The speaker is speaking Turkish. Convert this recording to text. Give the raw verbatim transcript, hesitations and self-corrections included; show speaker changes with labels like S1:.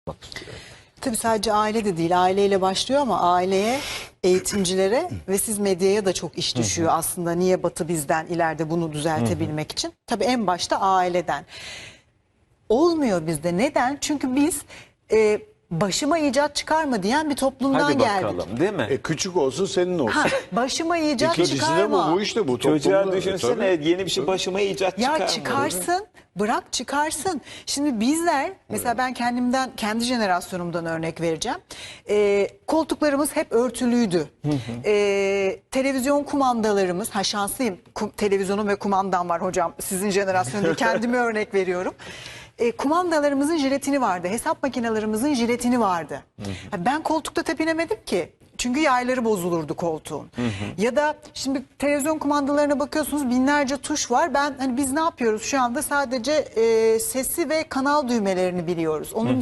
S1: Tabii sadece aile de değil, aileyle başlıyor ama aileye, eğitimcilere ve siz medyaya da çok iş düşüyor hı hı. aslında. Niye Batı bizden ileride bunu düzeltebilmek hı hı. için? Tabii en başta aileden. Olmuyor bizde. Neden? Çünkü biz e, başıma icat çıkarma diyen bir toplumdan
S2: Hadi
S1: geldik.
S2: bakalım, değil mi?
S3: E, küçük olsun senin olsun.
S1: Ha, başıma icat
S3: İkincisi
S1: çıkarma.
S3: de bu, bu işte bu.
S2: Çocuğa
S3: toplumda.
S2: düşünsene
S3: E, tabii.
S2: yeni bir şey başıma icat
S1: Ya
S2: çıkarma.
S1: çıkarsın, bırak çıkarsın. Şimdi bizler, mesela ben kendimden, kendi jenerasyonumdan örnek vereceğim. Ee, koltuklarımız hep örtülüydü. Ee, televizyon kumandalarımız, ha şanslıyım, kum, televizyonum ve kumandam var hocam. Sizin jenerasyonu değil, kendime örnek veriyorum. E, kumandalarımızın jiletini vardı. Hesap makinelerimizin jiletini vardı. Hı hı. Ben koltukta tepinemedim ki. Çünkü yayları bozulurdu koltuğun. Hı hı. Ya da şimdi televizyon kumandalarına bakıyorsunuz, binlerce tuş var. Ben hani biz ne yapıyoruz şu anda? Sadece e, sesi ve kanal düğmelerini biliyoruz. Onun